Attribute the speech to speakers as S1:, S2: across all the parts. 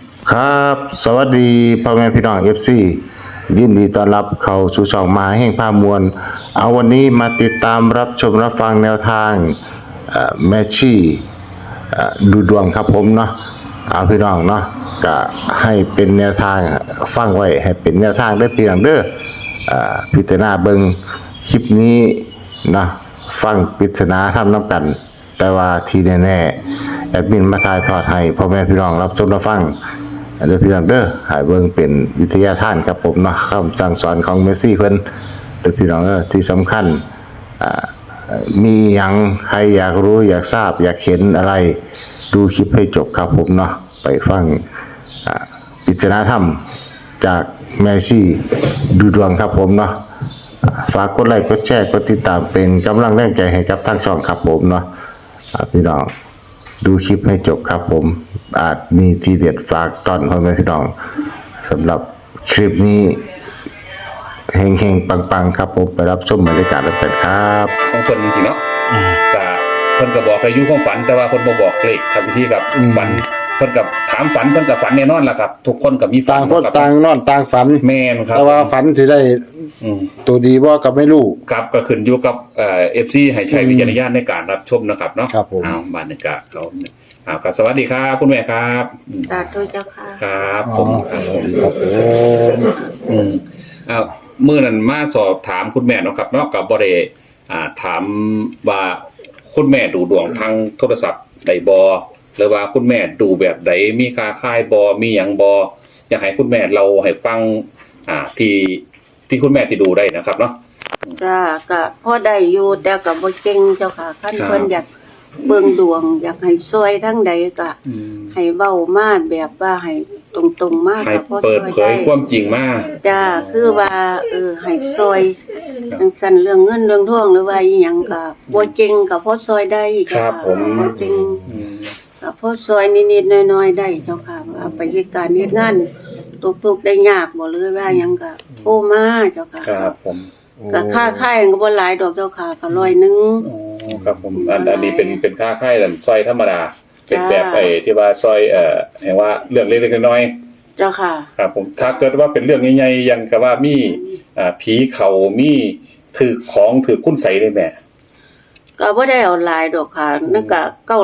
S1: ครับสวัสดีพ่อแม่พี่น้องFC ยินดีต้อนรับเข้าสู่ช่องมาแห่งภาพมวลเอาวันนี้มาติดตามรับชมรับฟังแนวทางแมชชี่ดูดวงครับผมเนาะเอาพี่น้องเนาะก็ให้เป็นแนวทางฟังไว้ให้เป็นแนวทางได้เพียงเด้อพิจารณาเบิ่งคลิปนี้นะฟังปริศนาทำน้ำกันแต่ว่าทีแน่ๆแอดมินมาถ่ายทอดให้พ่อแม่พี่น้องรับชมรับฟังเด้อพี่น้องเด้อให้เบิ่งเป็นวิทยาทานครับผมเนาะคำสั่งสอนของเมสซี่เพิ่นเด้อพี่น้องที่สำคัญมีหยังใครอยากรู้อยากทราบอยากเห็นอะไรดูคลิปให้จบครับผมเนาะไปฟังปริศนาธรรมจากแมซี่ดูดวงครับผมเนาะฝากกดไลค์กดแชร์กดติดตามเป็นกำลังแรงใจให้กับทางช่องครับผมเนาะพี่น้องดูคลิปให้จบครับผมอาจมีทีเด็ดฝากตอนพ่อแม่พี่น้องสำหรับคลิปนี้เฮงๆปังๆครับผมไปรับชมบรรยากาศกันครับ
S2: ของคนจริงๆเนาะแต่เพิ่นก็บอกอายุของฝันแต่ว่าเพิ่นบ่บอกเลขครับพี่กับฝันเพิ่นกับถามฝันเพิ่นกับฝันแน่นอนล่ะครับทุกคนก็มีฝั
S1: ต่างคน
S2: ครับ
S1: ต่างนอนต่างฝัน
S2: แม่นครับ
S1: แต่ว่าฝันสิได้ตัวดีบ่ก็ไม่รู้
S2: ครับก็ขึ้นอยู่กับFC ให้ใช้วิจารณญาณในการรับชมนะครับเนาะ
S1: ครับผม
S2: อ้าวบรรยากาศเขาครับสวัสดีครับคุณแม่ครับ
S3: สาธุเจ้าค่ะ
S2: ครับผม
S1: ครับผม
S2: อ้าวมื้อนั้นมาสอบถามคุณแม่เนาะครับเนาะก็บ่ได้ถามว่าคุณแม่ดูดวงทางโทรศัพท์ได้บ่หรือว่าคุณแม่ดูแบบใดมีค่าค่ายบ่มีหยังบ่อยากให้คุณแม่เราให้ฟังที่คุณแม่สิดูได้นะครับเนาะ
S3: จ้าก็พอได้อยู่แต่ก็บ่เก่งเจ้าค่ะคัน
S2: ครับ
S3: เพิ่นอยากเบิ่งดวง อยากให้ซอยทั้งใดก็ให้เว้ามาแบบว่าให้ตรงๆมาก
S2: ให้
S3: ก็พอ
S2: เปิด
S3: ช่วย
S2: เผ
S3: ได้
S2: ยความจริงมา
S3: จ้าคือว่าให้ซอยจังซั่นเรื่องเงินเรื่องทองหรือว่าอีหยังก็บ่เก่งก็พอซอยได้
S2: ค
S3: เจ้า
S2: รับ
S3: ค่ะ
S2: ผม
S3: บ่เก่ง
S2: อืม
S3: ก็พอซอยนิดๆน้อยๆได้เจ้าค่ะเอาไปเฮ็ดการเฮ็ดงานทุกข์ได้ยากบ่เลยว่าหยังก็โทรมาเจ้าค่ะ
S2: ครับผม
S3: ก็ค่าค่ายก็บ่หลายดอกเจ้าค่ะก็100
S2: อ๋อครับผมอันนี้เป็นค่าค่ายแต่ซอยธรรมดาเป็นแบบไอ้ที่ว่าซอยแห่งว่าเรื่องเล็กๆน้อยๆ
S3: เจ้าค่ะ
S2: ครับผมถ้าเกิดว่าเป็นเรื่องใหญ่ๆยังกับว่ามีผีเขามีถือของถือคุ้นใสเลยแม่
S3: ก็บ่ได้เอาหลายดอกค่ะนั่นก็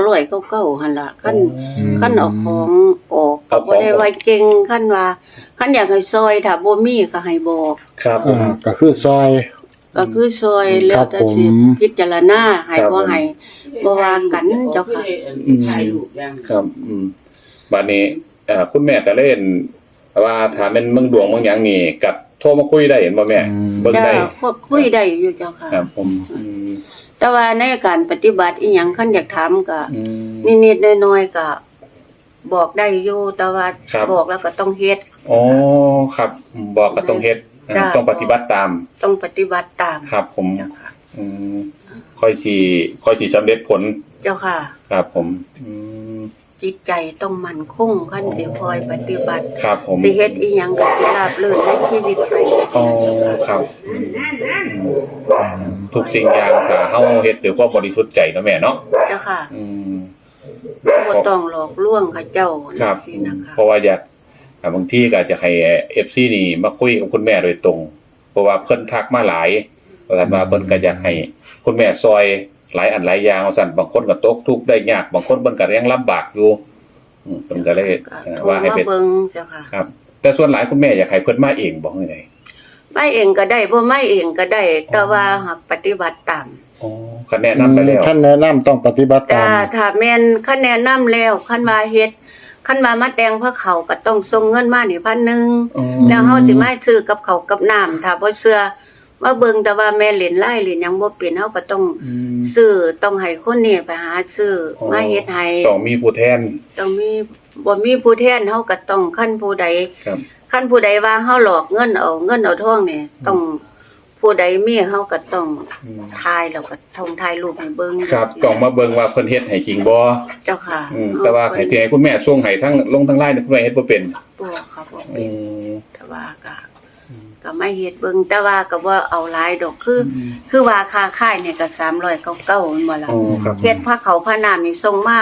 S3: 999หั่นล่ะคันเอาของออกก็บ่ได้ว่าเก่งคันว่าคันอยากให้ซอยถ้าบ่มีก็ให้บอก
S2: ครับผม
S1: ก็คือซอย
S3: ก็คือซอยแล้วแต่สิ
S1: ครับผม
S3: พิจารณาให้บ่ให้บ่ว่ากันเจ้าค่ะ
S2: ครับบัดนี้คุณแม่ก็เล่นว่าถ้าเป็นเมืองดวงเมืองหยังนี่กับโทรมาคุยได้เห็นบ่แม่เบิ่ง
S3: จ้า
S2: ได้
S3: คุยได้อยู่เจ้าค่ะ
S2: ครับผม
S3: แต่ว่าในการปฏิบัติอีหยังคันอยากถามก็
S2: อืม
S3: นิดๆน้อยๆก็บอกได้อยู่แต่ว่า
S2: ครับ
S3: บอกแล้วก็ต้องเฮ็ด
S2: อ๋อครับบอกก็ต้องเฮ็ด
S3: จ้ะ
S2: ต้องปฏิบัติตาม
S3: ต้องปฏิบัติตาม
S2: ครับผม
S3: เจ้าค่ะ
S2: อืมค่อยสิสำเร็จผล
S3: เจ้าค่ะ
S2: ครับผม
S3: จิตใจต้องมั่นคงขั้นสิคอยปฏิบัติ
S2: ครับผม
S3: สิเฮ็ดอีหยังก็สิราบรื่นในชีวิตไป
S2: อ๋อครับทุกสิ่งอย่างถ้าเฮาเฮ็ดด้วยความบริสุทธิ์ใจเนาะแม่เนาะ
S3: เจ้าค่ะ
S2: อืม
S3: บ่ต้องหลอกลวงเขาเจ้า
S2: ครับ
S3: สินะคะ
S2: เพราะว่าอยากบางทีก็จะให้ FC นี่มาคุยกับคุณแม่โดยตรง เพราะว่าเพิ่นทักมาหลายว่าซั่นว่าเพิ่นก็อยากให้คุณแม่ซอยหลายอันหลายอย่างว่าซั่นบางคนก็ตกทุกข์ได้ยากบางคนเพิ่นก็ยังลำบากอยู่เพิ่นก็เลย
S3: ก็โทร
S2: ว่าให้
S3: มา
S2: เป็น
S3: เบิ่งเจ้าค่ะ
S2: ครับ แต่ส่วนหลายคุณแม่อยากให้เพิ่นมาเองบอกจังได๋
S3: ไม่เองก็ได้บ่ไม่เองก็ได้ แต่ว่าหากปฏิบัติตาม
S2: อ๋อคะแนนนำไปแล้ว
S1: ท่านแนะนำต้องปฏิบัติตา
S3: จ้าม ถ้าแม่นคะแนนนำแล้วคันว่าเฮ็ดคันว่ามาแต่งพระเขาก็ต้องส่งเงินมานี่1,000
S2: อ๋อ
S3: แล้วเฮาสิมาซื้อกับเขาวกับน้ำถ้าบ่เชื่อมาเบิ่งแต่ว่าแม่เล่นไล่เล่นหยังบ่เป็นเฮาก็ต้องซื้อต้องให้คนนี้ไปหาซื้อมาเฮ็ดให้
S2: ต้องมีผู้แทน
S3: ต้องมีบ่มีผู้แทนเฮาก็ต้องคันผู้ใด
S2: ครับ
S3: คันผู้ใดว่าเฮาหลอกเงินเอาทองนี่ต้องผู้ใดมีเฮาก็ต้องถ่ายแล้วก็ถ่ายรูปให้เบิ่ง
S2: ครับต้องมาเบิ่งว่าเพิ่นเฮ็ดให้จริงบ่
S3: เจ้าค่ะ
S2: แต่ว่าให้สิให้คุณแม่ส่งให้ทั้งลงทั้งไลน์นี่คุณแม่เฮ็ดบ่เป็น
S3: บ่ค่ะบ่
S2: อื
S3: เป็น
S2: ม
S3: แต่ว่าก็ไม่เฮ็ดเบิ่งแต่ว่าก็บ่เอาหลายดอกคือว่าค่าค่ายเนี่ยก็399แม่นบ่ล่ะ
S2: อ๋อครับ
S3: เฮ็ดผ้าเขาวผ้าน้ำนี่ส่งมา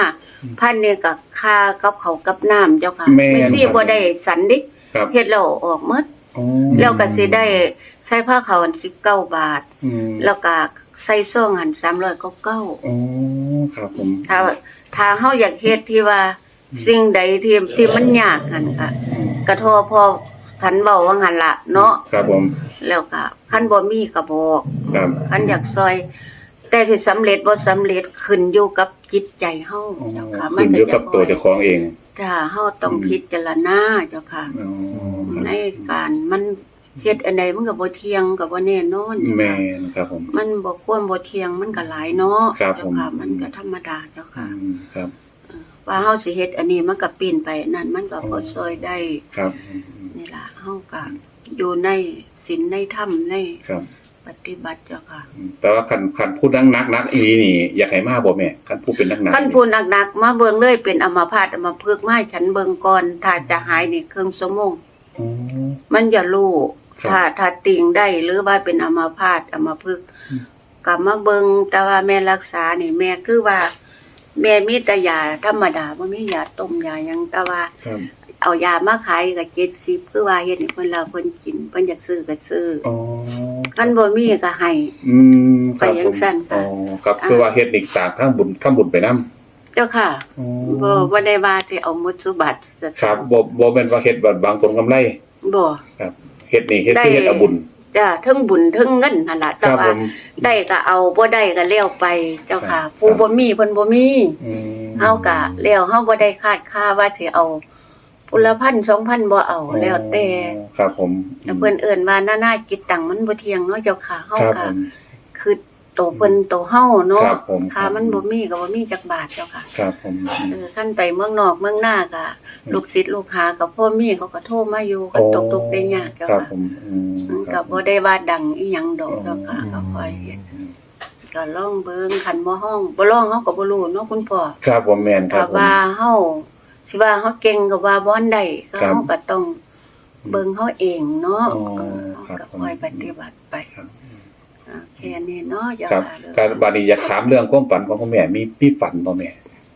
S3: พันเนี่ยก็ค่ากับเขาวกับน้ำเจ้าค่ะ
S2: แม่น
S3: ไม่สิบ่ได้สันดิ
S2: ครับ
S3: เฮ็ดแล้วออกหมด
S2: อ๋อ
S3: แล้วก็สิได้ใส่ผ้าขาวอัน19 บาท
S2: อืม
S3: แล้วก็ใส่ซองหัน399
S2: อ๋อครับผม
S3: ถ้าเฮาอยากเฮ็ดที่ว่าสิ่งใดที่มันยากหั่นค่ะกระทอพอคันเว้าว่าหั่นล่ะเนาะ
S2: ครับผม
S3: แล้วก็คันบ่มีก็บอก
S2: ครับ
S3: คันอยากซอย แต่ที่สำเร็จบ่สำเร็จขึ้นอยู่กับจิตใจเฮา
S2: อ๋อ
S3: เจ้าค่ะ
S2: ขึ้นอยู่กับตัวเจ้าของเอง
S3: ถ้าเฮาต้องพิจารณาเจ้าค่ะ
S2: อ๋อ
S3: ในการมันเฮ็ดอันใดมันก็บ่เที่ยงก็บ่แน่นอน
S2: แม่นครับผม
S3: มันบ่ควรบ่เที่ยงมันก็หลายเนาะ
S2: ครับ
S3: เจ้าค่ะ
S2: ผม
S3: มันก็ธรรมดาเจ้า
S2: อื
S3: ค่ะ
S2: มครับ
S3: ว่าเฮาสิเฮ็ดอันนี้มันก็ปีนไปนั่นมันก็บ่ซอยได้
S2: ครับ
S3: นี่ล่ะเฮาก็อยู่ในศีลในธรรมใน
S2: ครับ
S3: ปฏิบัติเจ้าค่ะ
S2: แต่ว่าคันพูดนักอีนี่อยากให้มาบ่แม่คันพูดเป็นนัก
S3: คันผู้หนักๆมาเบิ่งเลยเป็นอัมพาตอัมพฤกษ์มาให้ฉันเบิ่งก่อนถ้าจะหายนี่ครึ่งชั่วโมง
S2: อ๋อ
S3: มันอย่ารู้
S2: ครับ
S3: ถ้าติงได้หรือว่าเป็นอัมพาตอัมพฤกษ์กลับมาเบิ่งแต่ว่าแม่รักษานี่แม่คือว่า แม่มีแต่ยาธรรมดาบ่มียาต้มยาหยังแต่ว่า
S2: ครับ
S3: เอายามาขายก็70คือว่าเฮ็ดให้เพิ่นแล้วเพิ่นกินเพิ่นอยากซื้อก็ซื้อ
S2: อ๋อ
S3: คันบ่มีก็ให้
S2: อืมครับ
S3: ไปยังสั้นค่ะ
S2: อ๋อครับคือว่าเฮ็ดอีกสร้างทางบุญไปนำ
S3: เจ้าค่ะ
S2: อ๋อ
S3: บ่ได้ว่าสิเอาหมดสุบัติ
S2: ครับบ่แม่นว่าเฮ็ดบางผลกำไร
S3: บ่
S2: ครับเฮ็ดนี่เฮ็ด
S3: ได้
S2: คือเฮ็ดเอาบุญ
S3: จ้าเทั้งบุญเทั้งเงินนั่นล่ะ
S2: ค
S3: แต่
S2: รับ
S3: ว่า
S2: ผม
S3: ได้ก็เอาบ่ได้ก็แล้วไปเจ้าค่ะ
S2: ครับ
S3: ผู้บ่มีเพิ่นบ่มี
S2: อืม
S3: เฮาก็แล้วเฮาบ่ได้คาดค่าว่าสิเอาพุละพัน 2,000บ่เอาแล้วแต่
S2: ครับผม
S3: เพิ่นเอิ้นว่านาจิตตังมันบ่เที่ยงเนาะเจ้าค่ะเฮา
S2: ครับ
S3: ก็
S2: ผม
S3: คือโตเพิ่นโตเฮาเนาะ
S2: ครับผม
S3: ค่ามันบ่มีก็บ่มีจักบาทเจ้าค่ะ
S2: ครับผม
S3: คันไปเมืองนอกเมืองหน้าก็ลูกศิษย์ลูกหาก็พ่อมีเขาก็โทรมาอยู่ก็ตกทุกข์ได้ยากเจ้า
S2: ครับ
S3: ค่ะ
S2: ผมค
S3: ก็
S2: รับ
S3: บ่ได้ว่าดังอีหยังดอกเจ้าค่ะก็ค่อยเฮ็ดก็ลองเบิ่งคันบ่ฮ้องบ่ลองเฮาก็บ่รู้เนาะคุณพ่อ
S2: ครับผมแม่นค
S3: ถ้า
S2: รับผม
S3: ว่าเฮาสิว่าเฮาเก่งก็ว่าบ่อนได้ก็
S2: ครับ
S3: เฮาก็ต้องเบิ่งเฮาเองเนาะ
S2: อ๋อ
S3: เฮา
S2: ครับ
S3: ก็ค่อยปฏิบัติไป
S2: ครับ
S3: แค่นี้เนาะอย่า
S2: ครับ
S3: ว่าเลย
S2: การบาดนี้อยากถามเรื่องความฝันของคุณแม่มีฝันบ่แม่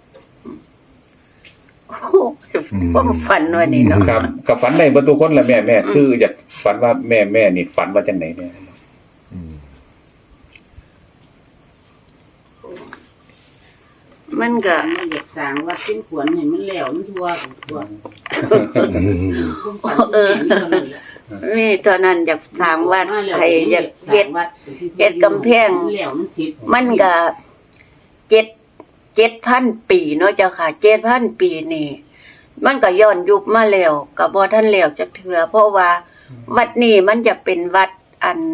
S3: โอ้โหความฝันว่านี่เนาะ
S2: ครับกับฝันได้เบ่ทุกคนแหละแม่คืออยากฝันว่าแม่นี่ฝันว่าจังไหนแม่
S3: มันก็
S4: มันอยากสร้างวัดเป็นขวนให้มันแล้วมันทั่วทั่ว
S3: นี่ตอนนั้นอยากถามว่าใครอยากเฮ็ด เฮ็ดกำแพง
S4: แล้วมันสิ
S3: มันก็7,000 ปีเนาะเจ้าค่ะ 7,000 ปีนี่ มันก็ย้อนยุคมาแล้วก็บ่ทันแล้วจักเทื่อเพราะว่าวัดนี้มันจะเป็นวัดอัน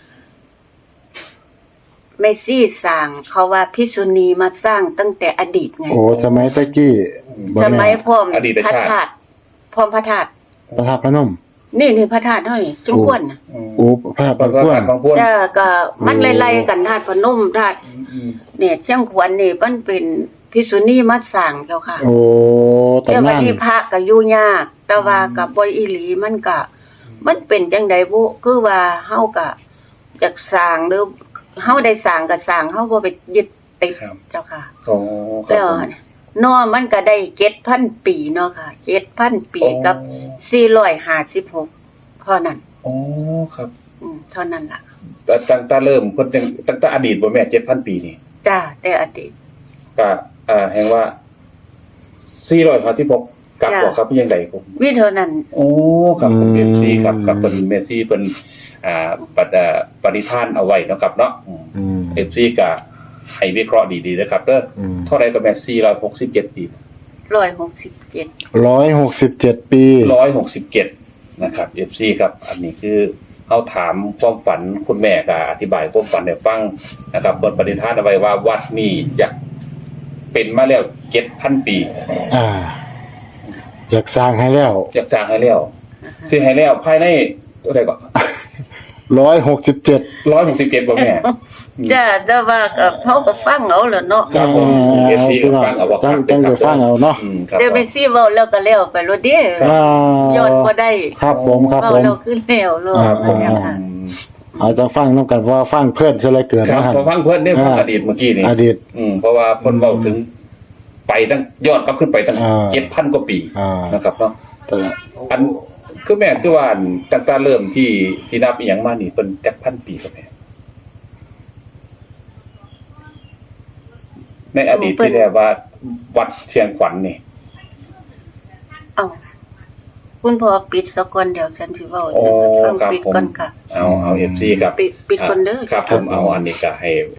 S3: เมซี่สร้างเขาว่าภิกษุณีมาสร้างตั้งแต่อดีตไง
S1: โอ้สมัยตะกี้บ่
S3: ส
S1: แ
S3: มัยพร้อม
S2: อดีต
S3: พระ
S2: ชาติ
S3: ธาตุพร้อมพระธาตุ
S1: พระธาตุพนม
S3: นี่พระธาตุเฮานี่จังควรน่ะ
S1: โอ้พระธาตุ
S2: ฝั
S1: พน
S2: น
S1: ม
S2: ของพวก
S3: จ้าก็มันไล่ๆกันธาตุพนมธาตุเนี่ยเชียงขวัญนี่มันเป็นภิกษุณีมาสร้างเจ้าค่ะ
S1: โอ้
S3: แต่
S1: ตำ
S3: วัน
S1: นาน
S3: นี้พระก็อยู่ยาก แต่ว่ากับบ่อีหลีมันก็มันเป็นจังไดบุคือว่าเฮาก็อยากสร้างหรือเฮาได้สร้างก็สร้างเฮาบ่ไปยึดติด
S2: ครับ
S3: เจ้าค่ะ
S2: โอ้ครั
S3: แล้
S2: บ
S3: ว
S2: ผม
S3: เนาะมันก็ได้ 7,000 ปีเนาะค่ะ 7,000 ปีกับ456เท่านั้น
S2: โอ้ครับ
S3: เท่านั้นล่ะ
S2: แต่ตั้งแต่เริ่มเพิ่นตั้งแต่อดีตบ่แม่ 7,000 ปีนี่
S3: จ้าแต่อดีต
S2: ก็แห่งว่า456กับ
S3: จ้ะ
S2: บ่ครับยังไดผม
S3: วิเท่านั้น
S2: โอ้ครับผมเอฟซีครับกับเป็นเมซี่เป็นปฏิทานเอาไว้เนาะครับเนาะ
S1: อืม
S2: เอฟซีก็ให้วิเคราะห์ดีๆนะครับเด้อ
S1: อืม
S2: เท่าไรก็แม่467 ปี
S3: 167
S1: 167 ปี
S2: 167นะครับเอฟซีครับ อันนี้คือเอาถามความฝันคุณแม่ก็อธิบายความฝันให้ฟังนะครับบทปฏิทานเอาไว้ว่าวัดนี้จะเป็นมาแล้ว 7,000 ปี
S1: อ่าอยากสร้างให้แล้ว
S2: จะจ้างให้แล้วสิให้แล้วภายในเท่าไหร่ก็
S1: 167
S2: 167บ่แม่
S3: จ้าแต่ว่าก็เฮาก็ฟังเอาแหล้วเนาะ
S2: ครับผม FC ก็ฟังเอาว่า
S1: จัง
S2: ครับ
S1: จะฟังเอาเนาะ
S2: ครับ
S3: เดี๋ยวไปซี่เว้าแล้วก็แล้วไปโลดเด้
S1: อ่า
S3: ย้อนบ่ได้
S1: ครับผมครับ
S3: เว้า
S1: ผม
S3: แล้วคือแล้วโลด
S1: อ่า
S3: ว่าหยังค่ะ
S1: เอาจังฟังนำกันว่าฟังเพื่อนซะเลยเกิด
S2: ครับ
S1: นะฮะ
S2: พอฟังเพิ่นได้ฟังอดีตเมื่อกี้นี่
S1: อดีต
S2: เพราะว่าเพิ่นเว้าถึงไปตั้งยอดกลับขึ้นไปตั้ง 7,000 กว่าปี นะครับเนาะ
S1: แต่
S2: อันคือแม่คือว่าตั้งแต่เริ่มที่นับอีหยังมานี่เพิ่นจักพันปีครับแม่ในอดีตที่เรียกว่าวัดเชียงขวัญนี่
S3: เอ้าคุณพ่อปิดซะก่อนเดี๋ยวฉันสิเว้า
S2: โอ้
S3: ฟัง
S2: ครับ
S3: ปิด
S2: ผม
S3: ก่อนค่ะ
S2: เอา FC ครับ
S3: ปิดก่อนเด้อ
S2: ครับผมเอาอันนี้ก็ให้